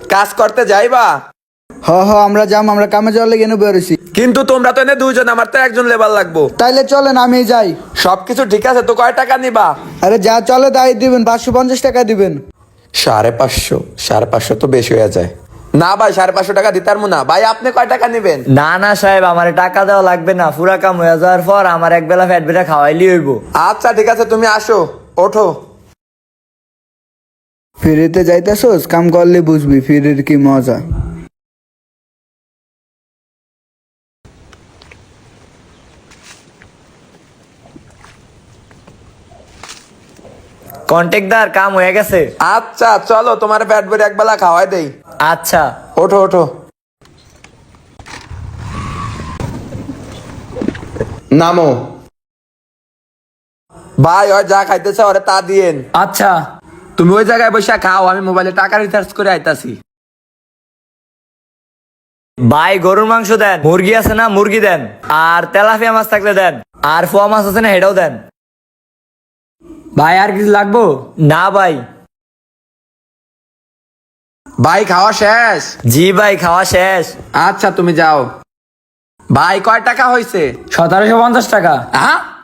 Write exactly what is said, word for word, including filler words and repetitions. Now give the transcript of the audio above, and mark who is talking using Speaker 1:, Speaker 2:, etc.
Speaker 1: কাজ করতে যাইবা?
Speaker 2: হ হ আমরা যাম, আমরা কামে যাওয়ার লেগে এনে বেরোছি।
Speaker 1: কিন্তু তোমরা তো এনে দুইজন, আমার তো একজন লেবার লাগবো।
Speaker 2: তাইলে চলেন আমি যাই।
Speaker 1: সবকিছু ঠিক আছে তো, কয় টাকা নিবা?
Speaker 2: আরে যা চলে তাই দিবেন, পাঁচশো পঞ্চাশ টাকা দিবেন।
Speaker 1: সাড়ে পাঁচশো সাড়ে পাঁচশো তো বেশি হয়ে যায়। না ভাই, সাড়ে পাঁচশো টাকা দিতে পারবো না। ভাই আপনি কয় টাকা নিবেন?
Speaker 3: না না সাহেব, আমার টাকা দেওয়া লাগবে না। পুরা কাম হয়ে যাওয়ার পর আমার এক বেলা ফ্যাট বেটা খাওয়াইলি হইব।
Speaker 1: আচ্ছা ঠিক আছে, তুমি আসো, ওঠো।
Speaker 2: ফিরিতে যাইতেছোস, কাম করলে বুঝবি ফিরির কি মজা।
Speaker 3: কন্ট্রাক্টর কাম হয়ে গেছে।
Speaker 1: আচ্ছা চলো, তোমার পেট ভরে একবেলা খাওয়াই দেই।
Speaker 3: আচ্ছা
Speaker 1: ওঠো ওঠো। নামো। ভাই ওই যা খাইতেছে ওরে তা দিয়েন।
Speaker 3: আচ্ছা।
Speaker 1: তুমি ওই জায়গায় বসে খাও, আমি মোবাইলে টাকা রিচার্জ করে আইতাছি।
Speaker 3: ভাই গরুর মাংস দেন, মুরগি আছে না মুরগি দেন, আর তেলাপিয়া মাছ থাকলে দেন, আর ফোয়া মাছ আছে না হেটাও দেন।
Speaker 4: ভাই আর কিছু লাগবো?
Speaker 3: না ভাই।
Speaker 1: ভাই খাওয়া শেষ?
Speaker 3: জি ভাই খাওয়া শেষ।
Speaker 1: আচ্ছা তুমি যাও। ভাই কয় টাকা হয়েছে?
Speaker 4: সতেরোশো পঞ্চাশ টাকা।
Speaker 1: হ্যাঁ